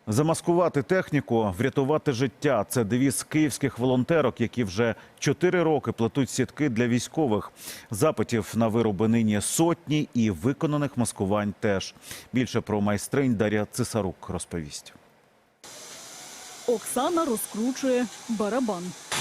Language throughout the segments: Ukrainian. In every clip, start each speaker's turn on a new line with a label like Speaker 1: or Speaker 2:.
Speaker 1: Замаскувати техніку, врятувати життя – це девіз київських волонтерок, які вже 4 роки плетуть сітки для військових. Запитів на вироби нині сотні і виконаних маскувань теж. Більше про майстринь Дар'я Цесарук розповість.
Speaker 2: Оксана розкручує барабан.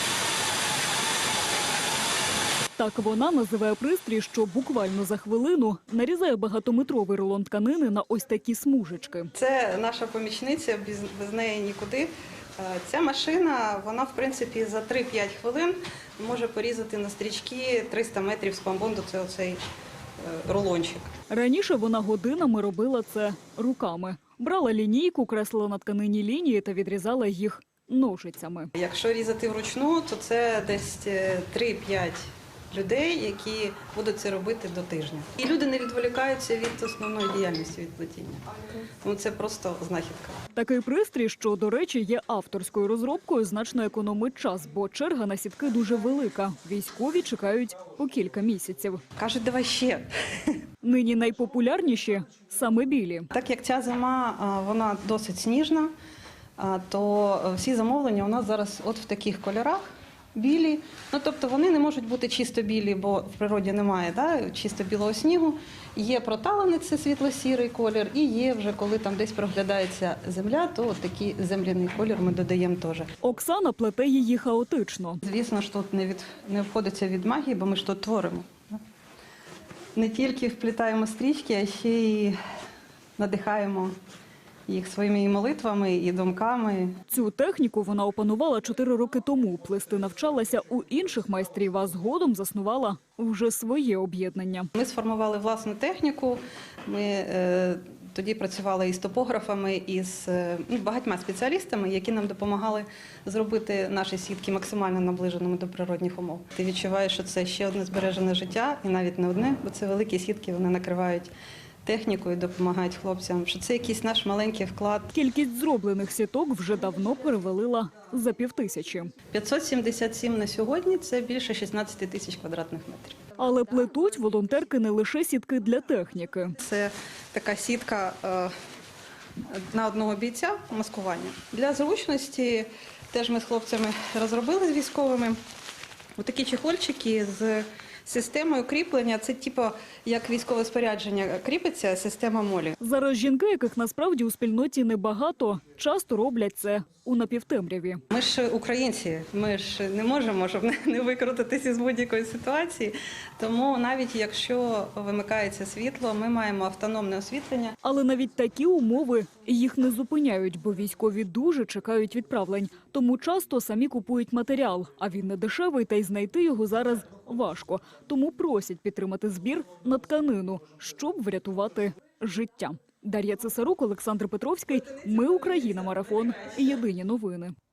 Speaker 2: Так вона називає пристрій, що буквально за хвилину нарізає багатометровий рулон тканини на ось такі смужечки.
Speaker 3: Це наша помічниця, без неї нікуди. Ця машина, вона в принципі за 3-5 хвилин може порізати на стрічки 300 метрів спамбонду, це оцей рулончик.
Speaker 2: Раніше вона годинами робила це руками. Брала лінійку, креслила на тканині лінії та відрізала їх ножицями.
Speaker 3: Якщо різати вручну, то це десь 3-5 людей, які будуть це робити до тижня. І люди не відволікаються від основної діяльності, від плетіння. Тому це просто знахідка.
Speaker 2: Такий пристрій, що, до речі, є авторською розробкою, значно економить час, бо черга на сітки дуже велика. Військові чекають по кілька місяців.
Speaker 3: Кажуть, давай ще.
Speaker 2: Нині найпопулярніші – саме білі.
Speaker 3: Так як ця зима, вона досить сніжна, то всі замовлення у нас зараз от в таких кольорах. Білі, тобто вони не можуть бути чисто білі, бо в природі немає чисто білого снігу. Є проталений, це світло-сірий колір, і є вже, коли там десь проглядається земля, то от такий земляний колір ми додаємо теж.
Speaker 2: Оксана плете її хаотично.
Speaker 3: Звісно ж, тут не обходиться від магії, бо ми ж тут творимо. Не тільки вплітаємо стрічки, а ще й надихаємо їх своїми і молитвами, і думками.
Speaker 2: Цю техніку вона опанувала 4 роки тому. Плести навчалася у інших майстрів, а згодом заснувала вже своє об'єднання.
Speaker 3: Ми сформували власну техніку. Ми тоді працювали із топографами, із багатьма спеціалістами, які нам допомагали зробити наші сітки максимально наближеними до природних умов. Ти відчуваєш, що це ще одне збережене життя, і навіть не одне, бо це великі сітки, вони накривають техніку і допомагають хлопцям, що це якийсь наш маленький вклад.
Speaker 2: Кількість зроблених сіток вже давно перевалила за 5000.
Speaker 3: 577 на сьогодні – це більше 16 тисяч квадратних метрів.
Speaker 2: Але плетуть волонтерки не лише сітки для техніки.
Speaker 3: Це така сітка на одного бійця маскування. Для зручності теж ми з хлопцями розробили з військовими отакі чехольчики з системою кріплення. Це типу, як військове спорядження кріпиться, система молі.
Speaker 2: Зараз жінки, яких насправді у спільноті небагато, часто роблять це у напівтемряві.
Speaker 3: Ми ж українці, ми ж не можемо, щоб не викрутитися з будь-якої ситуації. Тому навіть якщо вимикається світло, ми маємо автономне освітлення.
Speaker 2: Але навіть такі умови їх не зупиняють, бо військові дуже чекають відправлень. Тому часто самі купують матеріал, а він не дешевий, та й знайти його зараз важко. Тому просять підтримати збір на тканину, щоб врятувати життя. Дар'я Цесарук, Олександр Петровський. Ми Україна. Марафон. Єдині новини.